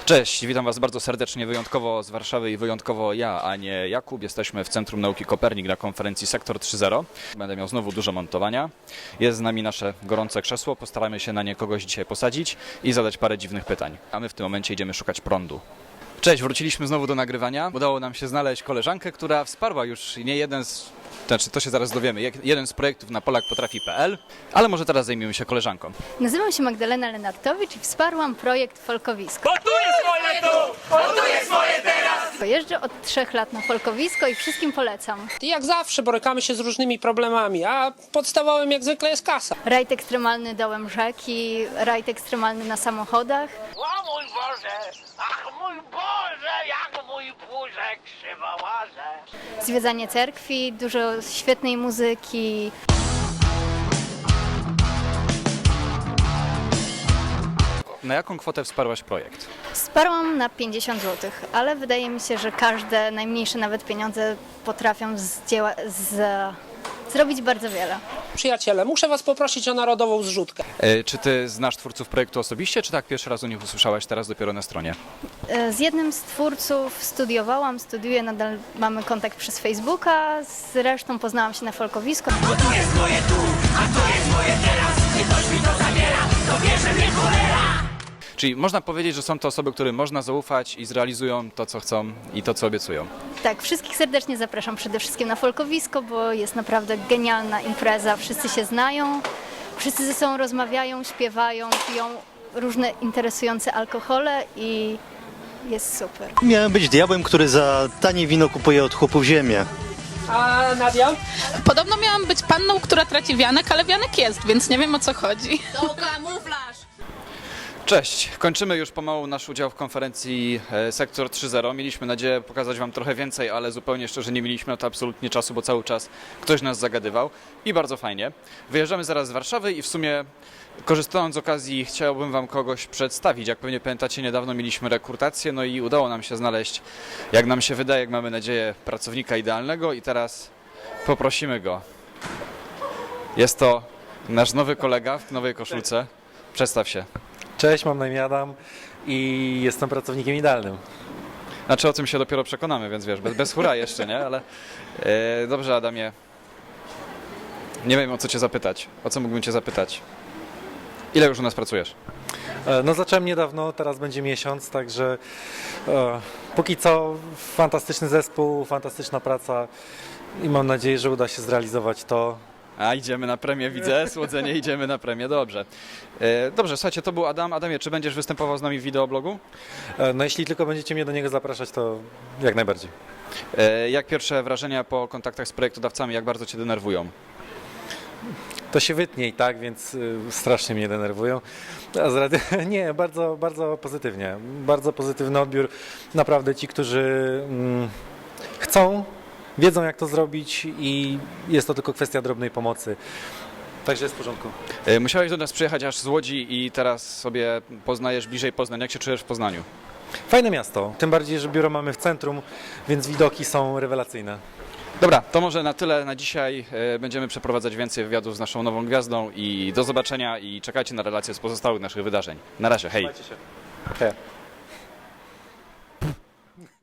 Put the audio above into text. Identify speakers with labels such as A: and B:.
A: Cześć, witam Was bardzo serdecznie, wyjątkowo z Warszawy i wyjątkowo ja, a nie Jakub. Jesteśmy w Centrum Nauki Kopernik na konferencji Sektor 3.0. Będę miał znowu dużo montowania. Jest z nami nasze gorące krzesło, postaramy się na nie kogoś dzisiaj posadzić i zadać parę dziwnych pytań. A my w tym momencie idziemy szukać prądu. Cześć, wróciliśmy znowu do nagrywania. Udało nam się znaleźć koleżankę, która wsparła już nie jeden z... Znaczy, to się zaraz dowiemy. Jeden z projektów na polakpotrafi.pl, ale może teraz zajmiemy się koleżanką.
B: Nazywam się Magdalena Lenartowicz i wsparłam projekt Folkowisko.
C: Montuję swoje tu! Montuję swoje teraz!
B: Jeżdżę od 3 lat na Folkowisko i wszystkim polecam.
D: Jak zawsze borykamy się z różnymi problemami, a podstawowym jak zwykle jest kasa.
B: Rajd ekstremalny dołem rzeki, rajd ekstremalny na samochodach.
C: O mój Boże! Ach mój Boże! Jak mój puszek krzywo łaże!
B: Zwiedzanie cerkwi, dużo świetnej muzyki.
A: Na jaką kwotę wsparłaś projekt?
B: Wsparłam na 50 zł, ale wydaje mi się, że każde, najmniejsze nawet pieniądze potrafią zrobić bardzo wiele.
D: Przyjaciele, muszę was poprosić o narodową zrzutkę.
A: Czy Ty znasz twórców projektu osobiście, czy tak pierwszy raz o nich usłyszałaś teraz dopiero na stronie?
B: Z jednym z twórców studiuję, nadal mamy kontakt przez Facebooka, z resztą poznałam się na Folkowisku.
C: To jest moje tu, a to jest moje teraz! Nie ktoś mi to zabiera, to bierze mnie cholera!
A: Czyli można powiedzieć, że są to osoby, którym można zaufać i zrealizują to, co chcą i to, co obiecują.
B: Tak, wszystkich serdecznie zapraszam przede wszystkim na Folkowisko, bo jest naprawdę genialna impreza. Wszyscy się znają, wszyscy ze sobą rozmawiają, śpiewają, piją różne interesujące alkohole i jest super.
E: Miałem być diabłem, który za tanie wino kupuje od chłopów ziemię.
D: A Nadia?
F: Podobno miałam być panną, która traci wianek, ale wianek jest, więc nie wiem, o co chodzi.
G: To kamuflaż!
A: Cześć, kończymy już pomału nasz udział w konferencji Sektor 3.0. Mieliśmy nadzieję pokazać Wam trochę więcej, ale zupełnie szczerze nie mieliśmy na to absolutnie czasu, bo cały czas ktoś nas zagadywał i bardzo fajnie. Wyjeżdżamy zaraz z Warszawy i w sumie korzystając z okazji chciałbym Wam kogoś przedstawić. Jak pewnie pamiętacie, niedawno mieliśmy rekrutację, no i udało nam się znaleźć, jak nam się wydaje, jak mamy nadzieję, pracownika idealnego i teraz poprosimy go. Jest to nasz nowy kolega w nowej koszulce. Przedstaw się.
H: Cześć, mam na imię Adam i jestem pracownikiem idealnym.
A: Znaczy o tym się dopiero przekonamy, więc wiesz, bez hura jeszcze, nie? Ale dobrze, Adamie. Nie wiem, o co Cię zapytać. O co mógłbym Cię zapytać? Ile już u nas pracujesz?
H: No zacząłem niedawno, teraz będzie miesiąc, także póki co fantastyczny zespół, fantastyczna praca i mam nadzieję, że uda się zrealizować to.
A: A, idziemy na premię, widzę, słodzenie, idziemy na premię, dobrze. Dobrze, słuchajcie, to był Adam. Adamie, czy będziesz występował z nami w wideoblogu?
H: No jeśli tylko będziecie mnie do niego zapraszać, to jak najbardziej.
A: Jak pierwsze wrażenia po kontaktach z projektodawcami, jak bardzo Cię denerwują?
H: To się wytnie i tak, więc strasznie mnie denerwują. Nie, bardzo, bardzo pozytywnie. Bardzo pozytywny odbiór. Naprawdę ci, którzy chcą, wiedzą jak to zrobić i jest to tylko kwestia drobnej pomocy. Także jest w porządku.
A: Musiałeś do nas przyjechać aż z Łodzi i teraz sobie poznajesz bliżej Poznań. Jak się czujesz w Poznaniu?
H: Fajne miasto, tym bardziej, że biuro mamy w centrum, więc widoki są rewelacyjne.
A: Dobra, to może na tyle na dzisiaj. Będziemy przeprowadzać więcej wywiadów z naszą nową gwiazdą i do zobaczenia i czekajcie na relacje z pozostałych naszych wydarzeń. Na razie, hej!
H: Trzymajcie się. Hej.